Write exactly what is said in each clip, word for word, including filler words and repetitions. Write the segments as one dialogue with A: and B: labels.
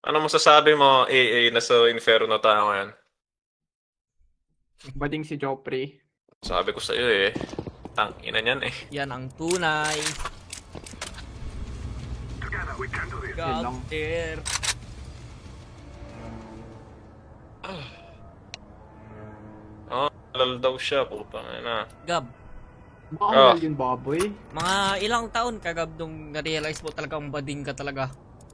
A: Ano masasabi mo, A A, na sa Inferno tayo ngayon?
B: Bading si Joffrey.
A: Sabi ko sa iyo eh, tang ina niyan eh.
C: Yan ang tunay.
B: Yun lang.
C: God there.
A: Oh, lal daw siya, putang ina.
C: Gab,
B: Baka
A: Ah.
B: mahal yun, baboy.
C: mga ilang taon ka Gab nung na-realize mo talagang bading ka talaga?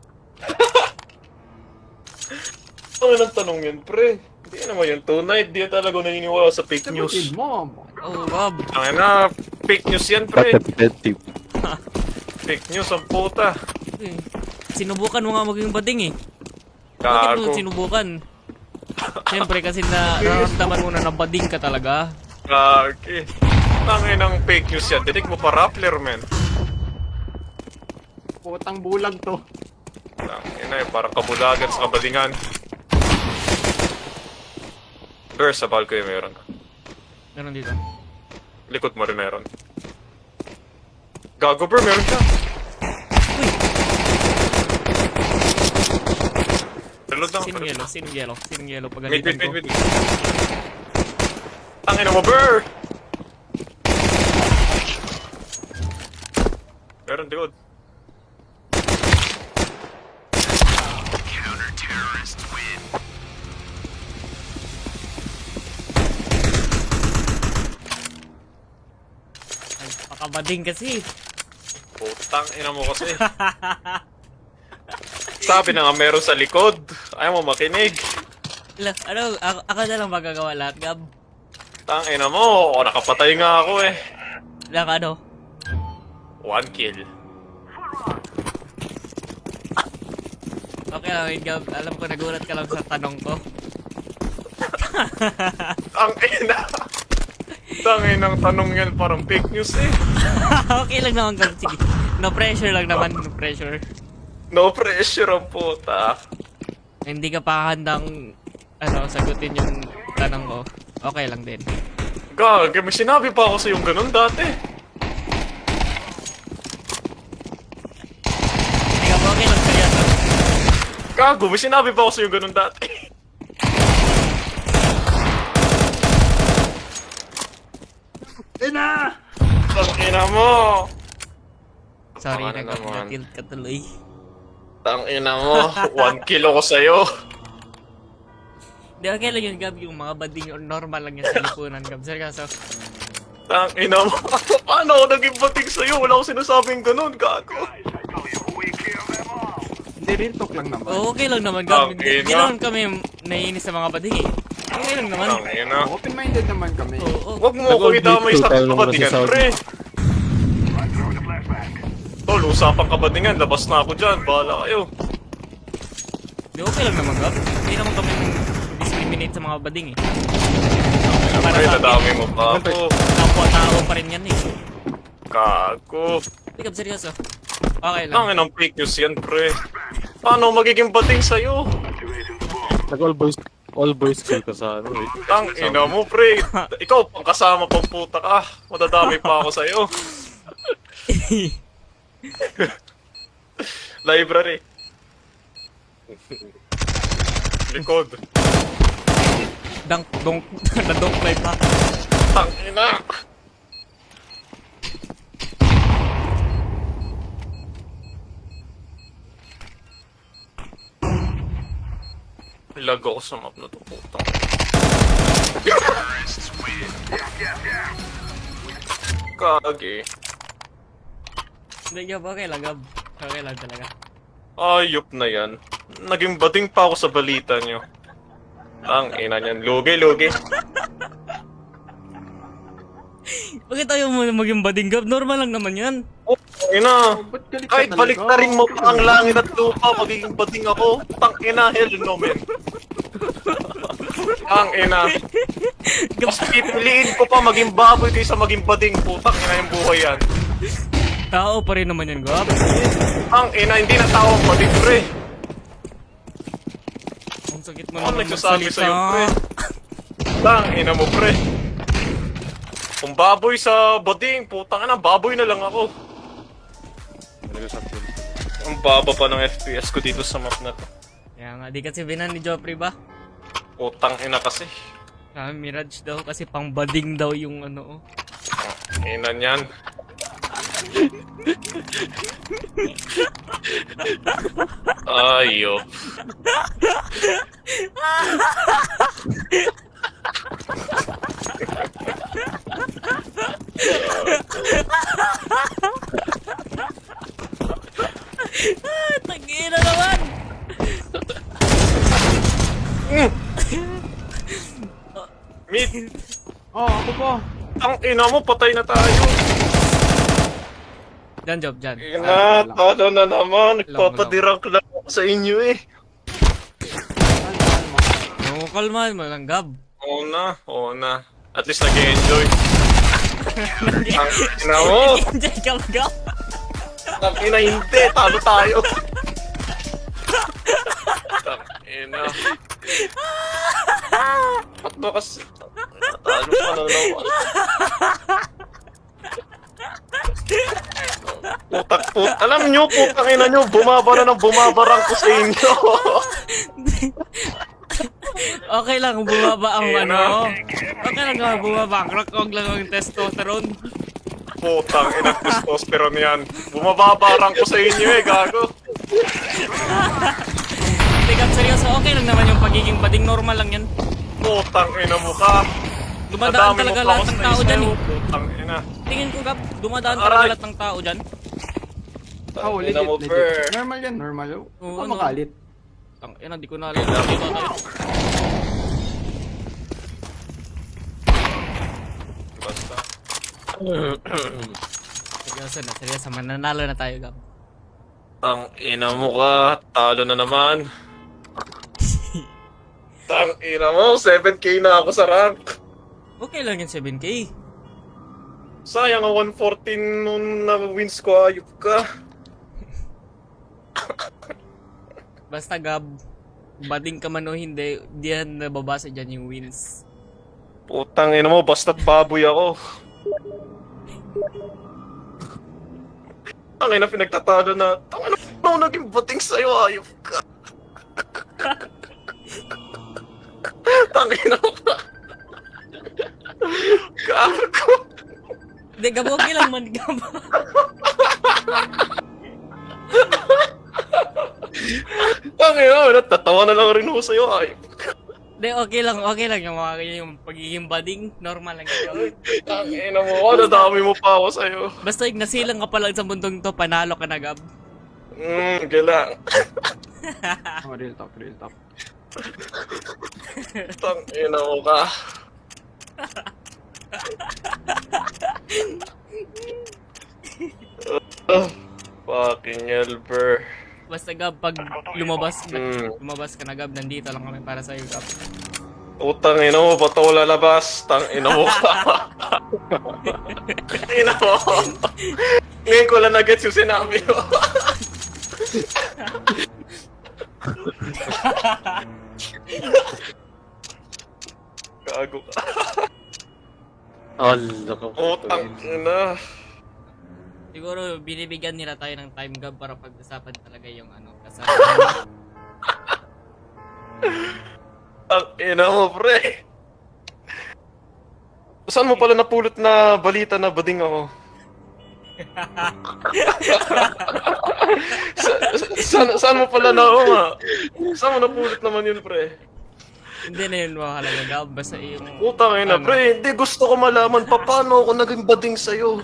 A: Ano nang tanong yun, pre? Hindi naman yung tunay, di talaga naniniwala sa fake
B: Kapatid
A: news.
B: mo.
C: Oh Gab,
A: Ang ina, fake news yan, pre.
D: Repetitive.
A: Fake news ang puta.
C: eh, sinubukan mo nga maging bading eh. Bakit mo
A: Gago.
C: sinubukan? Siyempre kasi na nararamdaman mo na na bading ka talaga.
A: Gagi. Tangin ng fake news yan. Dinig mo pa Rappler, man.
B: Putang bulag to.
A: Tangin na eh, parang kabulagan sa kabadingan. Ber, sa balcony meron.
C: Meron dito.
A: Likod mo rin meron. Gago, bro, meron siya. Reload lang.
C: Sinong yelo? Sinong yelo? Sinong yelo?
A: Wait,
C: Pagalitan
A: wait,
C: ko.
A: wait, wait. Tangin na mo, bro! Meron, dude.
C: Ay, pakabading kasi.
A: Putang ina mo kasi. Sabi na nga meron sa likod. Ayaw mo makinig.
C: Ila, ano, ako, ako na lang magagawa lahat, Gab.
A: Tang ina mo. O, nakapatay nga ako eh.
C: Lang ano?
A: One kill.
C: Okay lang, wait, Gab. Alam ko, nagulat ka lang sa tanong ko.
A: Tang ina. Tang inang tanong yan parang fake news eh.
C: Okay lang naman, Gab. Sige. No pressure lang naman, no pressure.
A: No pressure ang puta.
C: Hindi ka pa handang, ano, sagutin yung tanong ko. Okay lang din.
A: Gag, may sinabi pa ako sa yung ganun dati.
C: Hindi ka pa okay lang, seryoso.
A: Gago, may sinabi pa ako sa yung ganun dati.
B: Ina!
A: Tang ina mo.
C: Sorry,
A: Ano naman?
C: nag-tilt ka tuloy.
A: Tang ina mo. One kill ako sa'yo.
C: Hindi, okay lang yun, Gab. Yung mga bading or normal lang yung sa lipunan, Gab. Seryoso.
A: Tang ina mo. Paano ako naging batig sa'yo? Wala akong sinasabing ganun, gago.
B: Hindi, real talk lang naman.
C: Oh, okay lang naman, Gab.
A: Okay
C: Hindi
A: na.
C: naman kami naiinis sa mga bading eh. Okay lang naman.
A: Tang ina.
B: Open-minded naman kami.
C: Oo, oo.
A: Huwag mo ako idamay sa
D: Nag-update ko,
A: kabadingan,
D: tayo naman
A: pre. Tol, usapang kabadingan. Labas na ako dyan. Bahala kayo.
C: Di, okay lang naman, Gab. Hindi naman kami discriminate sa mga bading eh. Para
A: Pre,
C: sa akin,
A: nadami mo pa ako.
C: kapwa-tao pa rin yan eh.
A: Gago.
C: Hindi, Gab, seryoso. Okay lang.
A: Tangin ang fake news yan, pre. Paano magiging bating sa'yo?
D: Nag-all boys, all boys school ka sa ano eh.
A: Tang ina mo, pre. Ikaw, pang kasama pang puta ka. Madadami pa ako sa'yo. Library. Likod.
C: Dunk, donk, na-donk play pa.
A: Tang ina. Lag ako sa map na to, putang. Kagi.
C: Hindi, Gab, okay lang, Gab. Okay lang talaga.
A: Ayop na yan. Naging bading pa ako sa balita nyo. Ang ina niyan. Lugi, lugi.
C: Bakit ayaw mo na maging bading, Gab? Normal lang naman yan.
A: Oh, ina.
B: Ba't galit ka
A: Kahit
B: talaga?
A: balik na rin mo pa ang langit at lupa, magiging bading ako. Tang ina, hell no, men. Ang ina.
C: Gab,
A: Mas pipiliin ko pa maging baboy kaysa maging bading. Putang ina yung buhay yan.
C: tao pa rin naman yan, Gab.
A: Ang ina, hindi na tao ang bading, pre.
C: Ang sakit mo
A: Ano
C: naman
A: nagsasabi
C: magsalita.
A: sa'yo, pre? Tang ina mo, pre. Kung baboy sa bading, putang ina, baboy na lang ako.
D: Nag-usap ko.
A: Ang baba pa ng F P S ko dito sa map na to.
C: Kaya nga, di kasi binan ni Joffrey ba?
A: Putang ina kasi.
C: Sabi Mirage daw kasi pang bading daw yung ano oh.
A: Ina niyan. Ayop.
C: Ah, tangina naman!
A: Mid,
B: Oh, ako po.
A: ang ina mo, patay na tayo.
C: Dyan, Job, dyan.
A: Ina, talo na naman. Nagpapadirang lang ako sa inyo eh.
C: Oo, kalma mo lang, Gab.
A: Oo na, oo na. At least nag-enjoy. Ang ina mo.
C: Enjoy ka ba, Gab?
A: Ang ina, hindi. Talo tayo. Ang ina. Ba't ba kasi? Talo pa na naman. Putak po. Alam nyo, putang ina nyo, bumabara ng bumabarang ko sa inyo.
C: Okay lang, bumaba ang
A: Ayan
C: ano. Okay lang nga, bumaba. Crack, huwag lang ang testosterone.
A: Putang ina, testosterone yan. Bumababarang ko sa inyo eh, gago.
C: Hindi, Gab, seryoso. Okay lang naman yung pagiging bading. Normal lang yan.
A: Putang ina mo ka.
C: Dumadaan
A: Madami
C: talaga
A: mo pa
C: lahat
A: ako
C: ng
A: sa
C: tao dyan
A: isaw.
C: eh.
A: Putang ina.
C: Tingin ko, Gab, dumadaan
A: Aray.
C: talaga lahat ng tao dyan.
B: Oh,
A: Ang
B: legit,
A: ina mo,
B: legit.
A: per.
B: Normal yan, normal.
C: Oo,
B: Oo,
C: ano?
B: makalit.
C: Tang ina, di ko na alam. Dito tayo.
A: Basta.
C: Seryoso na, seryoso. Mananalo na tayo, Gab.
A: Ang ina mo ka. Talo na naman. Tang ina mo, seven K na ako sa rank.
C: Okay lang yung seven K.
A: Sayang ang one fourteen nung na-wins ko, ayop ka.
C: Basta, Gab, bading ka man o hindi, di yan nababasa dyan yung wins.
A: Putang ina mo, basta't baboy ako. Ang ina, pinagtatalo na. Tang ina mo, naging bating sa'yo, ayop ka. Tang ina mo ka. Gago.
C: Hindi, Gab, okay lang man, Gab.
A: Tang ina, natatawa na lang rin ako sa'yo, ayop ka.
C: Hindi, okay lang, okay lang yung mga yung pagiging bading, normal lang yun.
A: Tang ina mo, nadami mo pa ako sa'yo.
C: Basta yung nasilang ka pa lang sa mundong to, panalo ka na, Gab.
A: Hmm, galang.
B: Oh, real talk, real talk.
A: Tang ina mo ka. Uh, fucking Elber.
C: Basta, Gab, pag lumabas,
A: Mm.
C: lumabas ka na, Gab, nandito lang kami para sa'yo, Gab.
A: Utang ina mo, ba't ako lalabas? Tang ina mo ka. Ina mo. Ngayon ko lang na-gets yung sinabi mo. Gago ka.
D: Allah ka.
A: Utang ina.
C: Siguro, binibigyan nila tayo ng time, Gab, para pag-usapan talaga yung ano, kasama.
A: Ang ina mo, pre. Saan mo pala napulot na balita na bading ako? sa, sa- saan, saan mo pala na oo nga? Saan mo napulot naman yun, pre?
C: Hindi na yun mahalaga, Gab. Basta yung...
A: Putang ina,
C: Ano?
A: pre. Hindi, gusto ko malaman pa paano ako naging bading sa'yo.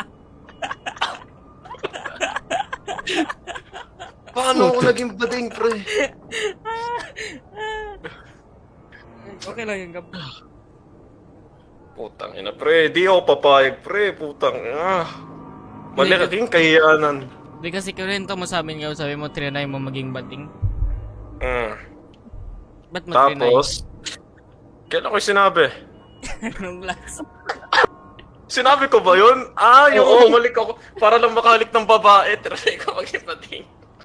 A: Paano ako naging bading, pre?
C: Okay lang yun, Gab.
A: Putang ina, pre. Di ako papayag, pre. Putang ina. Mali ka din kahiyanan.
C: Di kasi kurento mo sa amin, Gab. Sabi mo, trinay mo maging bating.
A: Mm.
C: Ba't mo trinay?
A: Tapos, kailan ko sinabi?
C: Anong last?
A: Sinabi ko ba yun? Ah, yung
D: Oo.
A: bumalik ako para lang makalik ng babae. Try ko maging bading.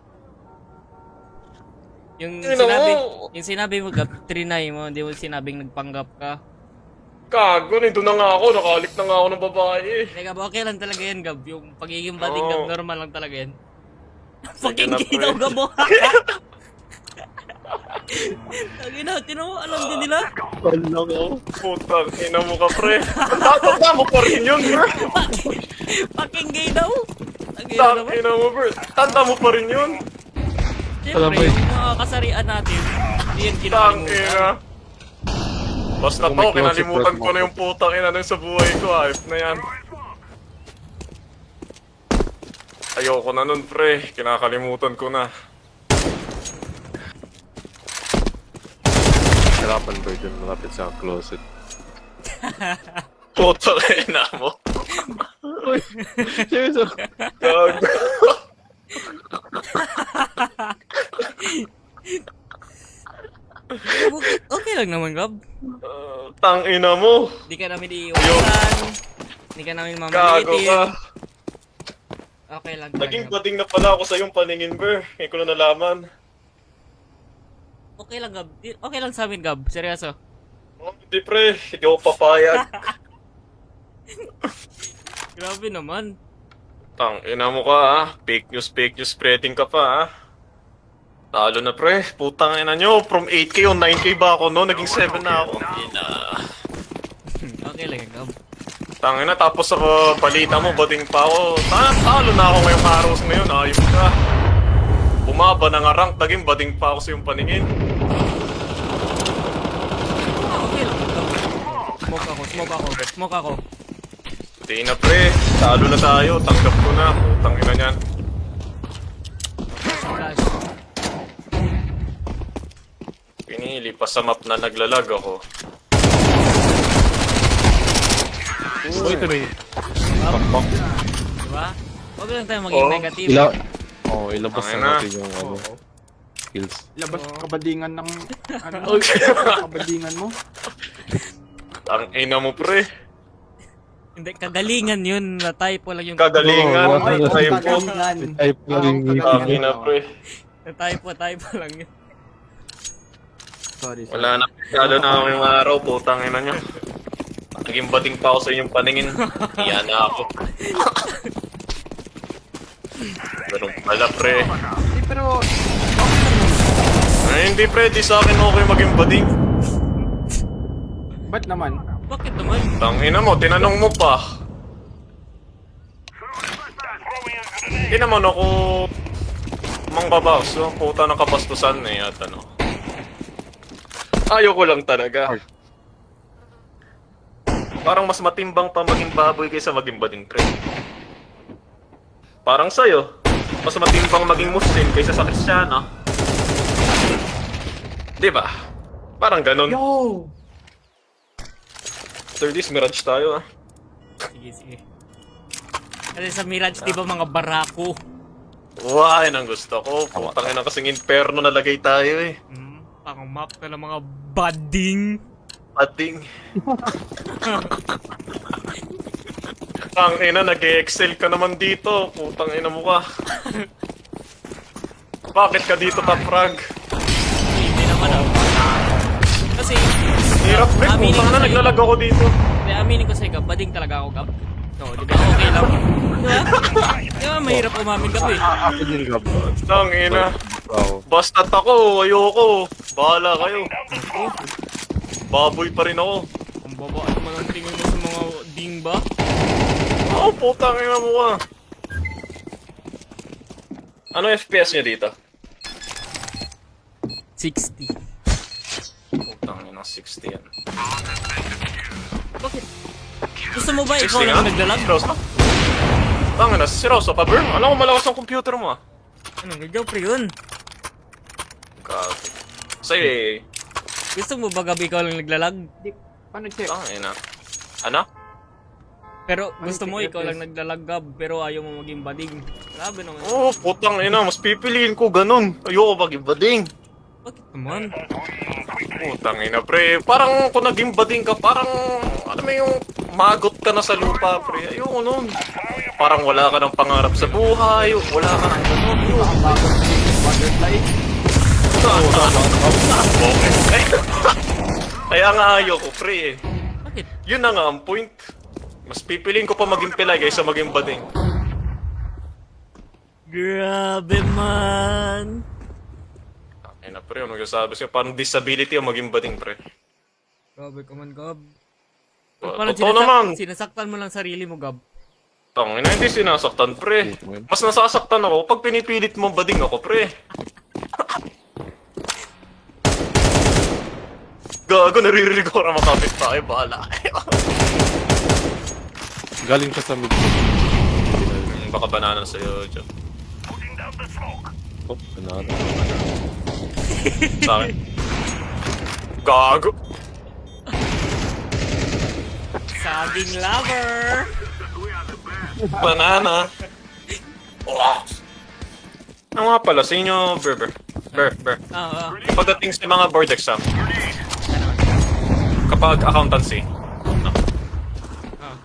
C: Yung
A: Ina
C: sinabi,
A: mo.
C: yung sinabi mo, Gab, trinay mo. Hindi mo sinabing nagpanggap ka.
A: Gago, nito na nga ako. Nakalik na nga ako ng babae.
C: Hindi, Gab, okay lang talaga yan, Gab. Yung pagiging bading,
A: Oo.
C: Gab, normal lang talaga yan.
A: Sige
C: Fucking
A: na,
C: ginaw,
A: pre.
C: Gab, mo. Tangina, tinan mo, alam din nila.
D: Wala ko.
A: Putang ina mo ka, pre. Tanda mo pa rin yun, bro.
C: Fucking gay daw. Tangina
A: Tang
C: naman.
A: ina mo, bro. Tanda mo pa rin yun.
C: Siyempre,
D: Alam mo,
C: yung mga kasarian natin, hindi yan
A: Tang
C: kinakalimutan.
A: ina. Basta
D: Kung
A: to,
D: may closet
A: kinalimutan
D: ref
A: ko na yung putang ina nun sa buhay ko. Ayop na yan. Ayoko na nun, pre. Kinakalimutan ko na.
D: Hirapan ba dyan malapit sa closet?
A: Putang ina mo.
D: Seryoso?
A: Gago.
C: Okay, okay lang naman, Gab.
A: Uh, tang ina mo.
C: Hindi ka namin iiwasan. Hindi ka namin
A: Gago
C: mamalitin.
A: ka.
C: Okay lang.
A: Naging
C: Gab.
A: bading na pala ako sa iyong paningin, bro. Ngayon ko na nalaman.
C: Okay lang, Gab. Di- Okay lang sa amin, Gab. Seryoso.
A: Oh, hindi, pre. Hindi ako papayag.
C: Grabe naman.
A: Tang ina mo ka, ha? Fake news, fake news spreading ka pa, ha? Talo na, pre. Putang ina nyo. From eight K o nine K ba ako, no? Naging seven na ako. Ina.
C: Okay lang, Gab.
A: Tang ina, tapos sa uh, balita mo, bading pa ako. Ta- talo na ako ngayong araw ngayon. Ayos ka. Bumaba na nga rank. Naging bading pa ako sa iyong paningin.
C: Okay lang, Gab. Smoke ako, smoke ako, smoke ako.
A: Hindi na, pre. Talo na tayo. Tanggap ko na. Putang ina niyan.
C: Flash.
A: Pinili pa sa map na naglalag ako.
D: Oh, ito na yun. Pakpak.
C: Diba? Huwag lang tayo maging
A: Oh,
C: negative.
D: Ila... Oh, ilabas
A: Tangina.
D: na natin yung ano, skills.
B: Labas kabadingan ng... Ano? kabadingan mo?
A: Ang ina mo, pre.
C: Hindi, kagalingan yun. Na-typo lang yung...
A: Kagalingan.
D: Oh,
A: Ay,
D: oh,
A: tayo po.
B: Kagalingan.
D: Type lang yung
B: Ah,
A: Ang
D: meeting.
A: ina, pre.
C: Na-typo, typo lang yun.
B: Sorry, sorry.
A: Wala na. Lalo na ako yung araw. Putang ina nyo. Naging bating pa ako sa inyong paningin. Iyan na ako. Ganun pala, pre.
B: Hindi, pero...
A: Ay, hindi, pre. Di sa akin okay maging bading.
B: Ba't naman?
C: Bakit naman?
A: Tangina mo, tinanong mo pa. Hindi naman ako mangbabaws. So, puta ng kabastusan eh, at ano. Ayoko lang talaga. Parang mas matimbang pa maging baboy kaysa maging bading, pre. Parang sa'yo, mas matimbang maging Muslim kaysa sa Kristiyano. Di ba? Parang ganun.
B: Yo!
A: After this, Mirage tayo ah.
C: Sige, sige. Kasi sa Mirage, di ba mga barako?
A: Wow, yun ang gusto ko. Putang ina kasing inferno nalagay tayo eh.
C: Hmm, pang map na ng mga bading.
A: Ating. Tang ina, nag-excel ka naman dito. Putang ina mo ka. Bakit ka dito, Top Frag?
C: Hindi naman ah. Kasi,
A: Hirap, pre.
C: aminin
A: Putang
C: ko
A: na,
C: sa'yo.
A: naglalag ako dito.
C: Hindi, aminin ko sa'yo, Gab. Bading talaga ako, Gab. No, di ba? Okay lang. Di ba? Di ba? Mahirap umamin, Gab eh.
D: Ako din, Gab.
A: Tang ina.
D: Ako.
A: Basta't ako, ayoko. Bahala kayo. Baboy pa rin ako.
C: Ang baba naman ang tingin mo sa mga ding ba?
A: Oo, oh, putang ina mo ka. Ano F P S niya dito?
C: sixty.
A: Putang ina, sixty yan.
C: Bakit? Gusto mo ba ikaw
A: sixty
C: lang
A: nga?
C: naglalag?
A: Seryoso? Tangin na, seryoso pa, bro? Alam ko malakas ang computer mo ah.
C: Anong gagaw pre yun?
A: God. Sa'yo eh.
C: Gusto mo ba gabi ikaw lang naglalag?
B: Di, paano check?
A: Tangin na. Ano?
C: Pero
B: Ano
C: gusto mo
B: check
C: ikaw
B: F P S?
C: lang naglalag Gab, pero ayaw mo maging bading. Grabe naman.
A: Oo, oh, putang ina, mas pipiliin ko ganun. Ayoko maging bading.
C: Bakit naman?
A: Putang ina, pre. Parang kung naging bading ka, parang, alam mo yung magot ka na sa lupa, pre. Ayoko nun. Parang wala ka ng pangarap sa buhay, wala ka ng ganun.
B: Ang bago ng butterfly.
A: Okay. Kaya nga ayoko, pre. eh.
C: Bakit?
A: Yun na nga ang point. Mas pipiliin ko pa maging pilay kaysa maging bading.
C: Grabe man.
A: Ay na, pre, ano sabi sa'yo? Parang disability ang maging bading, pre.
C: Grabe ka man, Gab.
A: Uh,
C: Parang
A: totoo
C: sinasak-
A: naman.
C: sinasaktan mo lang sarili mo, Gab.
A: Tangina, hindi sinasaktan, pre. Mas nasasaktan ako pag pinipilit mo bading ako, pre. Gago, naririnig ko na makapit tayo, bahala kayo.
D: Galing siya sa mid.
A: Hmm, Baka banana sa'yo, Joe.
D: Oh, banana.
A: Sa akin. Gago.
C: Saging lover!
A: Banana. Oh. Ano nga pala, sa inyo, Ber, Ber. Ber, Ber.
C: Oo, oo.
A: Pagdating sa mga board exam, kapag accountancy, no,
C: Oo.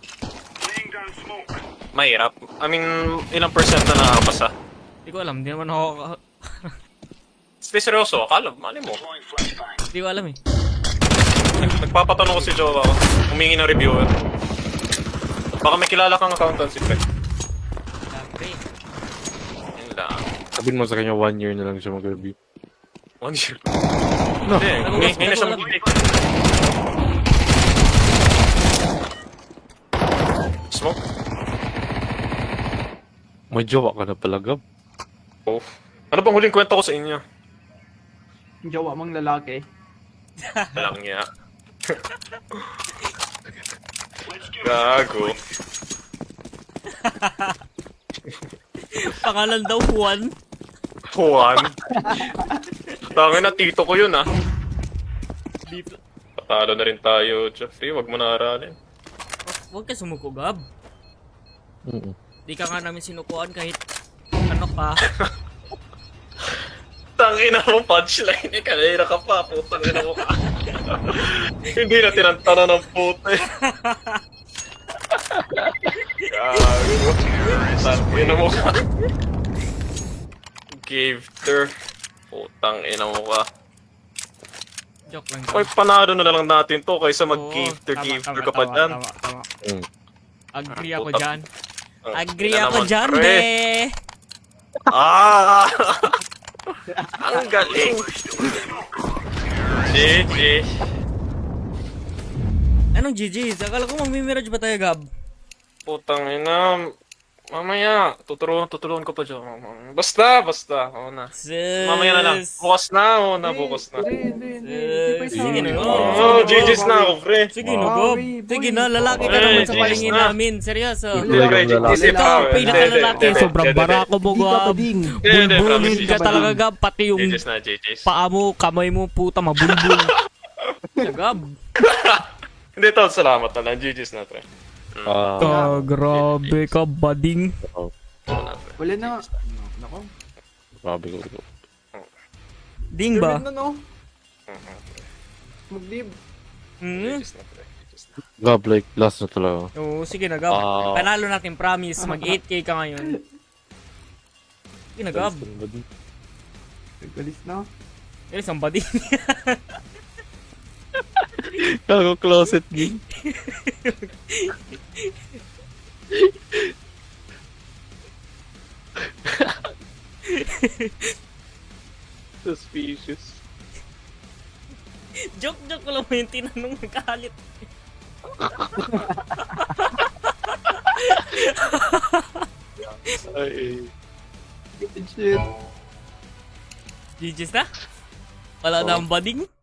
A: mahirap. I mean, ilang percent na nakakapasa?
C: Hindi ko alam, hindi naman ako...
A: Stay seryoso, akala, mali mo.
C: Hindi ko alam eh.
A: Nagpapatanong ko si Jowa ko, humingi ng reviewer. Baka may kilala kang accountancy, pre.
C: Grabe.
A: Yun lang.
D: Sabihin mo sa kanya one year na lang siya mag-review.
A: One year.
D: No.
A: Hindi, ngay- ngayon na siya
C: Nagulat-
A: mag-take. Smoke?
D: May jowa ka na pala, Gab.
A: Oh. Ano bang huling kwento ko sa inyo?
B: Yung jowa mong lalaki.
A: Alam niya. Gago.
C: Pangalan daw Juan.
A: Juan. Tangin na, tito ko yun ah.
C: Di,
A: Patalo na rin tayo, Jeffrey. Wag mo na aralin.
C: huwag ka sumuko, Gab.
D: Mm-mm.
C: Di ka nga namin sinukuan kahit ano ka.
A: Tangin na mo, punchline eh. Kanina ka pa, putang ina mo ka. Hindi na tinantana ng puto eh. Gago. Tangin na mo ka. Gifter. Putang ina mo ka.
C: Joke lang.
A: Ay, panalo na lang natin to kaysa
C: Oo,
A: mag-gifter,
C: tama,
A: gifter
C: tama,
A: ka pa
C: tama,
A: dyan.
C: Tama, tama.
D: Mm.
C: Agree ako
A: Puta.
C: dyan.
A: Ah,
C: Agree
A: ina
C: ako
A: naman,
C: dyan,
A: pre.
C: be!
A: Ah! Ang galing! G G.
C: Anong G G's? Akala ko magmimirage ba tayo, Gab?
A: Putang ina. Mamaya, tutulungan, tutulungan ko pa dyan. Basta, basta. Oo na.
C: Sis!
A: Mamaya na lang. Bukas na, oo na, bukas na.
B: Hindi, hindi, hindi.
C: Eh, sige na.
A: Oo, oh, G G's na ako, pre.
C: Sige na, Gab.
B: Bawi, boy.
C: Sige na, lalaki ka
A: Eh,
C: naman sa
A: G G's
C: palingin
A: na.
C: namin. Seryoso.
A: Hindi, pre, G G's
C: Ito,
A: na.
C: pinakalalaki. Sobrang barako mo,
B: Hindi ka
C: Gab.
B: pading.
A: Hindi, promise.
C: Bulbulin ka talaga, Gab. Pati
A: G
C: yung
A: G's na, G G's.
C: paa mo, kamay mo, puta, mabulbul. Gab.
A: Hindi, tol, salamat na lang. G G's na, pre.
D: Ah,
C: Ka, grabe ka, bading.
A: Oo na, pre.
B: Wala na. Nako.
D: grabe ko. ko.
C: Ding ba?
B: Tuloy na, no? Mag-leave.
A: G
C: Hmm?
A: G's na, pre. G G's na.
D: Gab, like, last na talaga.
C: Oo, sige na, Gab.
A: Oh.
D: Ah.
C: Panalo natin, promise. Mag eight K ka ngayon. Sige na, Gab.
B: Nagkalis na.
C: Eh, isang bading.
D: Kago closet game.
A: Suspicious.
C: Joke-joke ko lang mo yung tinanong nagkahalit.
D: Ay,
B: Shit.
C: G G's na? Wala na ang bading?